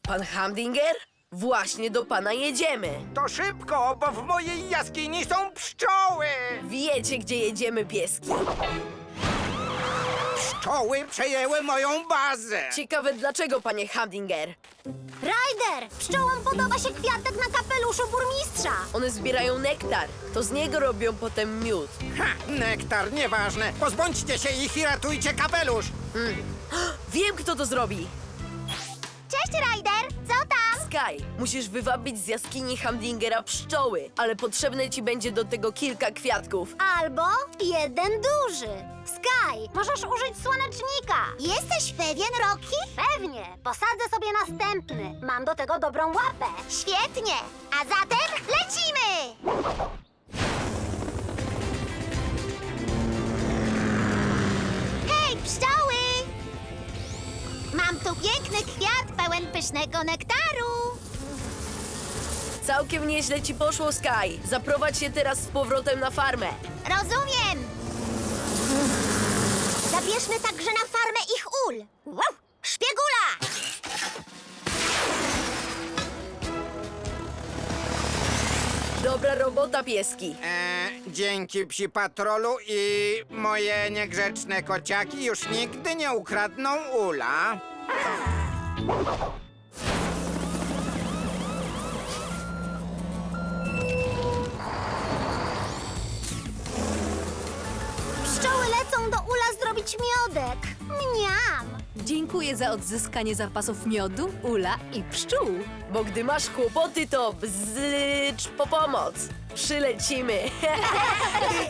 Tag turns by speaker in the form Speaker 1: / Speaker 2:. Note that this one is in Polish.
Speaker 1: Pan Humdinger? Właśnie do pana jedziemy.
Speaker 2: To szybko, bo w mojej jaskini są pszczoły!
Speaker 1: Wiecie, gdzie jedziemy, pieski.
Speaker 2: Pszczoły przejęły moją bazę!
Speaker 1: Ciekawe dlaczego, panie Humdinger.
Speaker 3: Ryder, pszczołom podoba się kwiatek na kapeluszu burmistrza.
Speaker 1: One zbierają nektar. To z niego robią potem miód.
Speaker 2: Ha! Nektar, nieważne! Pozbądźcie się ich i ratujcie kapelusz!
Speaker 1: Wiem, kto to zrobi.
Speaker 3: Cześć, Ryder, co tam?
Speaker 1: Sky, musisz wywabić z jaskini Humdingera pszczoły, ale potrzebne ci będzie do tego kilka kwiatków.
Speaker 3: Albo jeden duży. Sky, możesz użyć słonecznika. Jesteś pewien, Rocky? Pewnie. Posadzę sobie następny. Mam do tego dobrą łapę. Świetnie. A zatem lecimy! Hej, pszczoły! Mam tu piękny kwiat pełen pysznego nektaru.
Speaker 1: Całkiem nieźle ci poszło, Sky. Zaprowadź się teraz z powrotem na farmę.
Speaker 3: Rozumiem. Zabierzmy także na farmę ich ul. Wow! Szpiegula!
Speaker 1: Dobra robota, pieski.
Speaker 2: Dzięki psi patrolu i moje niegrzeczne kociaki już nigdy nie ukradną ula.
Speaker 3: Pszczoły lecą do ula zrobić miodek. Mniam!
Speaker 4: Dziękuję za odzyskanie zapasów miodu, ula i pszczół.
Speaker 1: Bo gdy masz kłopoty, to bzycz po pomoc. Przylecimy.